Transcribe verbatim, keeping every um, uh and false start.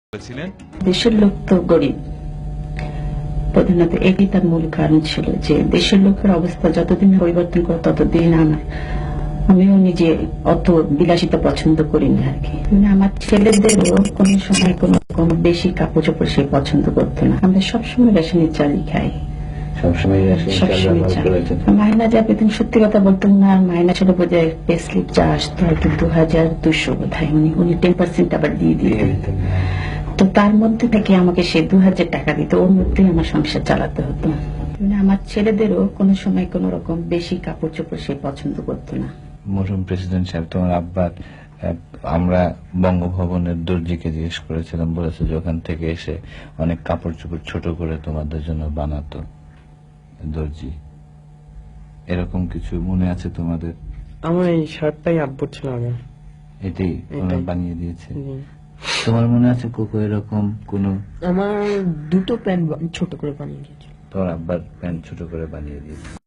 বলেছিলেন দেশের লোক তো গরিব, প্রধানত এটি তার মূল কারণ ছিল যে দেশের লোকের অবস্থা যতদিন পরিবর্তন করে ততদিন আমার আমিও নিজে অত বিলাসিতা পছন্দ করি না আর কি। মানে আমার ছেলেদেরও কোনো সময় কোনো কোনো বেশি কাপড় চোপড় সে পছন্দ করতো না। আমরা সবসময় রেশনের চালই খাই, সবসময় সবসময় চাল। মাইনা যা পেতেন সত্যি কথা বলতেন না, মাইনা ছিল বোঝায় পে স্লিপ যা আসতো আর কি দু হাজার দুশো বোধ হয়, উনি উনি টেন পার্সেন্ট আবার দিয়ে দিতেন। তো তার মধ্যে থেকে আমাকে সে দু হাজার টাকা দিত, ওর মধ্যেই আমার সংসার চালাতে হতো। মানে আমার ছেলেদেরও কোনো সময় কোন রকম বেশি কাপড় চোপড় সে পছন্দ করতো না। মরহুম প্রেসিডেন্ট সাহেব, তোমার আব্বার আমরা বঙ্গভবনের দর্জিকে জিজ্ঞেস করেছিলাম, বলেছে যে ওখান থেকে এসে অনেক কাপড় চোপড় ছোট করে তোমাদের জন্য বানাতো দর্জি। এরকম কিছু মনে আছে তোমাদের? আমার এই শার্টটাই আব্বুর ছিল আগে, এটাই ওরা এটাই। বানিয়ে দিয়েছে। জি। তোমার মনে আছে কোকো এরকম কোন? আমার দুটো প্যান্ট ছোট করে বানিয়ে দিয়েছিল। তোমার আব্বার প্যান্ট ছোট করে বানিয়ে দিয়েছে।